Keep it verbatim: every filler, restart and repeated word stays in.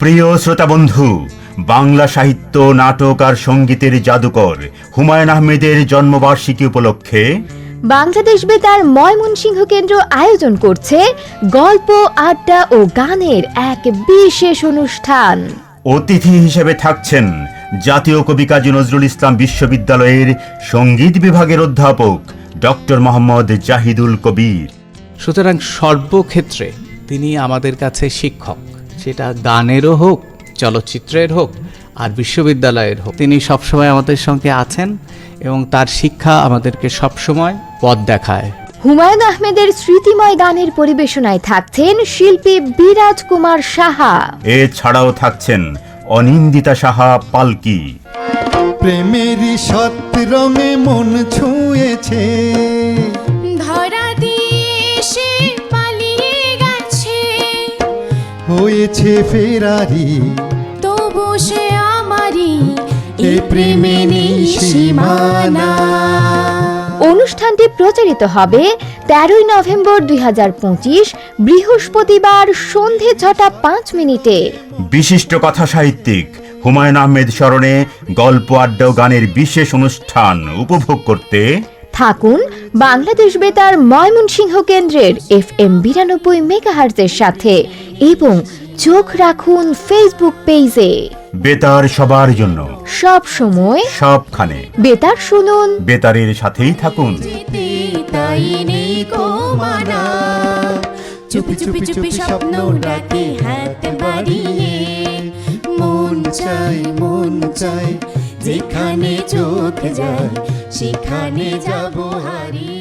প্রিয় শ্রোতা বন্ধু, বাংলা সাহিত্য, নাটক আর সঙ্গীতের জাদুকর হুমায়ূন আহমেদের জন্মবার্ষিকী উপলক্ষে বাংলাদেশ বেতার ময়মনসিংহ কেন্দ্র আয়োজন করছে গল্প, আড্ডা ও গানের এক বিশেষ অনুষ্ঠান। অতিথি হিসেবে থাকছেন জাতীয় কবি কাজী নজরুল ইসলাম বিশ্ববিদ্যালয়ের সঙ্গীত বিভাগের অধ্যাপক ডক্টর মোহাম্মদ জাহিদুল কবির। সুতরাং সর্বক্ষেত্রে তিনি আমাদের কাছে শিক্ষক, সেটা গানেরও হোক, চলচ্চিত্রের হোক আর বিশ্ববিদ্যালয়ের হোক। তিনি সবসময় আমাদের সঙ্গে আছেন এবং তার শিক্ষা আমাদেরকে সবসময় পথ দেখায়। হুমায়ূন আহমেদের স্মৃতিময় গানের পরিবেশনায় থাকছেন শিল্পী বিরাজ কুমার সাহা। এছাড়াও থাকছেন অনিন্দিতা সাহা পালকি। প্রেমেরই সৎ রঙে মন ছুঁয়েছে, ধরা দিয়ে সে পালিয়ে গেছে, হয়েছে ফেরারি তবু সে আমারই, এ প্রেমে নেই সীমানা। অনুষ্ঠানটি প্রচারিত হবে তেরোই নভেম্বর দুই হাজার পঁচিশ বৃহস্পতিবার সন্ধে ছটা পাঁচ মিনিটে। বিশিষ্ট কথা সাহিত্যিক হুমায়ূন আহমেদ স্মরণে গল্প, আড্ডা ও গানের বিশেষ অনুষ্ঠান উপভোগ করতে থাকুন বাংলাদেশ বেতার ময়মনসিংহ কেন্দ্রের এফ এম বিরানব্বই মেগাহার্জের সাথে এবং চোখ রাখুন ফেসবুক পেজে। বেতার সবার জন্য, সব সময়, সবখানে বেতার শুনুন, বেতারের সাথেই থাকুন। তাই নেই কো মানা, চুপি চুপি চুপি স্বপ্ন ডাকে হাত বাড়িয়ে, মন চাই মন চাই যেখানে চোখ যায় সেখানে যাব হারিয়ে।